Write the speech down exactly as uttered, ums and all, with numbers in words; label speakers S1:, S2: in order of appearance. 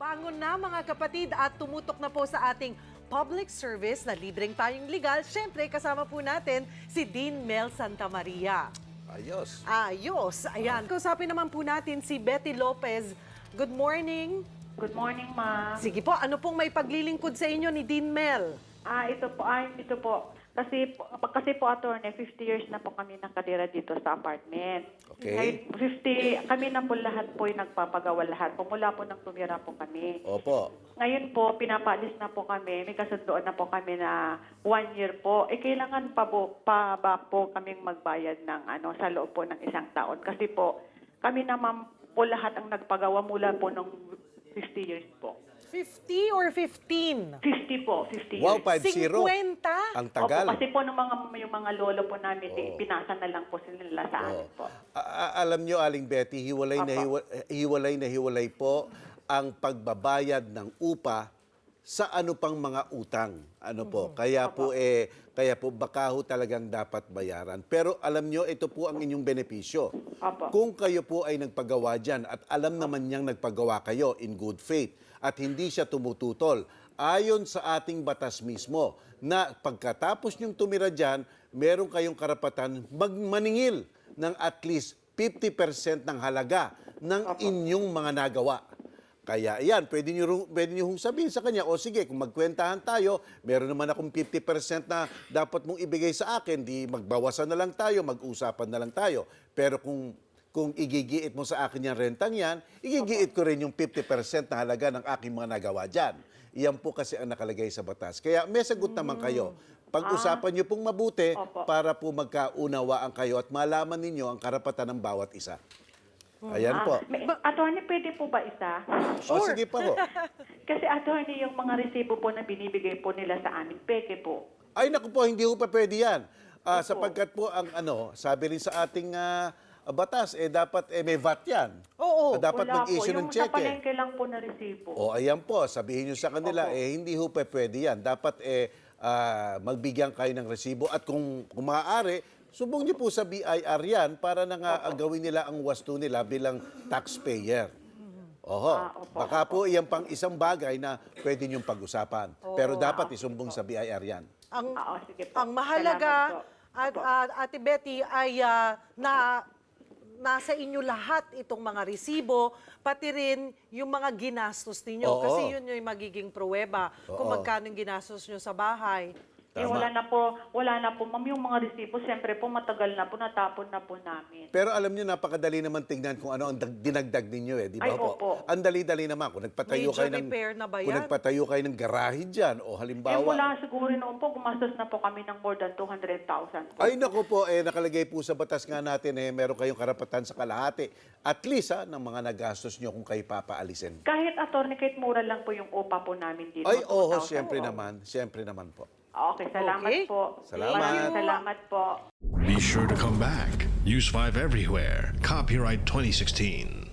S1: Bangon na mga kapatid at tumutok na po sa ating public service na libreng tayong legal. Siyempre, kasama po natin si Dean Mel Santamaria.
S2: Ayos.
S1: Ayos. Ayan. Kausapin naman po natin si Betty Lopez. Good morning.
S3: Good morning, ma'am.
S1: Sige po, ano pong may paglilingkod sa inyo ni Dean Mel?
S3: Ah, ito po, ay, ito po. Kasi po, kasi po, attorney, fifty years na po kami nakatira dito sa apartment.
S2: Okay.
S3: Ngayon, fifty, kami na po lahat po yung nagpapagawa lahat. Pumula po nang tumira po kami.
S2: Opo.
S3: Ngayon po, pinapaalis na po kami. May kasundoan na po kami na one year po. Eh, kailangan pa, po, pa ba po kaming magbayad ng ano, sa loob po ng isang taon. Kasi po, kami naman po lahat ang nagpagawa mula po ng fifty years po.
S1: fifty or fifteen?
S3: fifty po, fifty
S2: Wow,
S3: years.
S2: five zero.
S1: fifty?
S2: Ang tagal.
S3: Opo, kasi po ng mga, yung mga lolo po namin, oh. pinasa na lang po sila sa amin po.
S2: A- a- alam nyo, Aling Betty, hiwalay na,
S3: Opo.
S2: hiwa- hiwalay na hiwalay po ang pagbabayad ng upa sa ano pang mga utang. Ano po? Kaya po eh kaya po baka ho talagang dapat bayaran. Pero alam nyo, ito po ang inyong benepisyo.
S3: Opo.
S2: Kung kayo po ay nagpagawa dyan at alam naman niyang nagpagawa kayo in good faith at hindi siya tumututol, ayon sa ating batas mismo na pagkatapos niyong tumira dyan, meron kayong karapatan magmaningil ng at least fifty percent ng halaga ng inyong mga nagawa. Kaya yan, pwede niyo, ru- pwede niyo hong sabihin sa kanya, o sige, kung magkwentahan tayo, meron naman akong fifty percent na dapat mong ibigay sa akin, di magbawasan na lang tayo, mag-usapan na lang tayo. Pero kung kung igigiit mo sa akin yung rentang yan, igigiit ko rin yung fifty percent na halaga ng aking mga nagawa dyan. Iyan po kasi ang nakalagay sa batas. Kaya may sagot naman kayo. Pag-usapan niyo pong mabuti
S3: Opo.
S2: para po magkaunawaan kayo at malaman ninyo ang karapatan ng bawat isa. Ayan po.
S3: May, attorney, pwede po ba isa?
S2: O sige pa po.
S3: Kasi attorney, yung mga resibo po na binibigay po nila sa amin, peke po.
S2: Ay naku po, hindi po pa pwede yan. Ah,
S3: Opo.
S2: sapagkat po ang ano, sabi rin sa ating ah, batas, eh dapat eh, may V A T yan.
S1: Oo.
S2: Ah, dapat
S3: Wala
S2: mag-issue
S3: po.
S2: ng
S3: Yung sa
S2: cheque.
S3: palengke lang po na resibo.
S2: O ayan po, sabihin nyo sa kanila,
S3: Opo.
S2: eh hindi ho pa pwede yan. Dapat eh ah, magbigyan kayo ng resibo at kung, kung maaari, subong nyo po sa B I R yan para na nga ah, gawin nila ang wasto nila bilang taxpayer. Oho,
S3: Ah, opo,
S2: baka po iyan pang isang bagay na pwede nyong pag-usapan. Pero dapat isumbong sa B I R yan.
S1: Ang,
S3: Ah, oh, sige po.
S1: ang mahalaga,
S3: Salamat po.
S1: at, at, Ate Betty, ay ah, na nasa inyo lahat itong mga resibo, pati rin yung mga ginastos ninyo.
S2: Oo.
S1: Kasi yun yung magiging pruweba kung
S2: Oo.
S1: magkano yung ginastos nyo sa bahay.
S3: Eh,
S2: Tama.
S3: wala na po, wala na po, ma'am, yung mga resibo, siyempre po, matagal na po, natapon na po namin.
S2: Pero alam niyo, napakadali naman tingnan kung ano ang dag- dinagdag ninyo eh, di ba
S3: Ay,
S2: po?
S3: opo.
S2: Ang dali-dali naman. Kung nagpatayo
S1: Major
S2: kayo ng,
S1: repair na ba
S2: kung
S1: yan?
S2: nagpatayo kayo ng garahe dyan, o
S3: Eh,
S2: halimbawa,
S3: wala siguro noon po, gumastos na po kami ng more than two hundred thousand po.
S2: ay naku po, eh, nakalagay po sa batas nga natin, eh, meron kayong karapatan sa kalahati. At least, ha, ng mga nagastos nyo kung kayo papaalisin.
S3: Kahit attorney, kahit mura lang po yung upa po namin dito.
S2: Ay, oo,
S3: two thousand
S2: siyempre
S3: po.
S2: naman. Siyempre naman po.
S3: Okay, salamat
S1: Okay.
S3: po.
S2: Salamat.
S3: Maraming salamat po.
S4: Be sure to come back. Use five everywhere. Copyright twenty sixteen.